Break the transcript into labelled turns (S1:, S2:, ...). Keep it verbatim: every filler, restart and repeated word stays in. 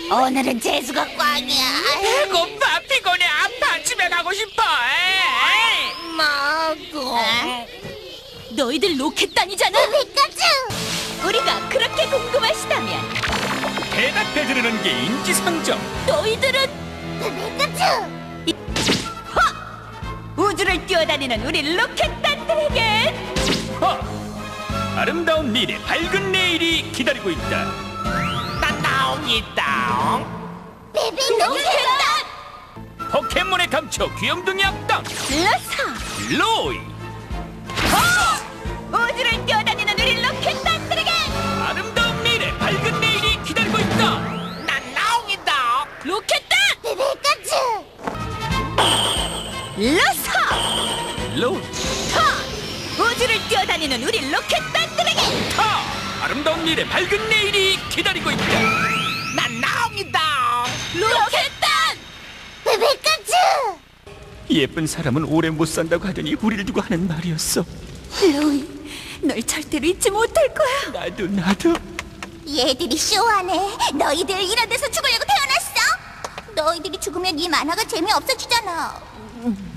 S1: 오늘은 재수가 꽝이야.
S2: 배고파, 피곤해, 아파, 집에 가고 싶어. 에이.
S1: 먹고.
S3: 너희들 로켓단이잖아.
S1: 피카츄.
S3: 우리가 그렇게 궁금하시다면
S2: 대답해드리는 게 인지상정.
S3: 너희들은
S1: 피카츄.
S3: 우주를 뛰어다니는 우리 로켓단들에게
S2: 허! 아름다운 미래, 밝은 내일이 기다리고 있다. 난 나옹이다.
S1: 베비 로켓단.
S2: 포켓몬의 감초, 귀염둥이 악당
S3: 러사
S2: 로이.
S3: 우주를 뛰어다니는 우리 로켓단들에게
S2: 아름다운 미래, 밝은 내일이 기다리고 있다. 난 나옹이다.
S3: 로켓단
S1: 피카츄.
S3: 러사
S2: 로이.
S3: 타 우주를 뛰어다니는 우리 로켓단들에게
S2: 타! 아름다운 미래, 밝은 내일이 기다리고 있다. 난 나옹이다.
S3: 로켓단
S1: 피카츄.
S2: 예쁜 사람은 오래 못 산다고 하더니 우리를 두고 하는 말이었어.
S3: 로이 널 절대로 잊지 못할 거야.
S2: 나도 나도.
S1: 얘들이 쇼하네. 너희들 이런 데서 죽으려고 태어났어? 너희들이 죽으면 이 만화가 재미없어지잖아.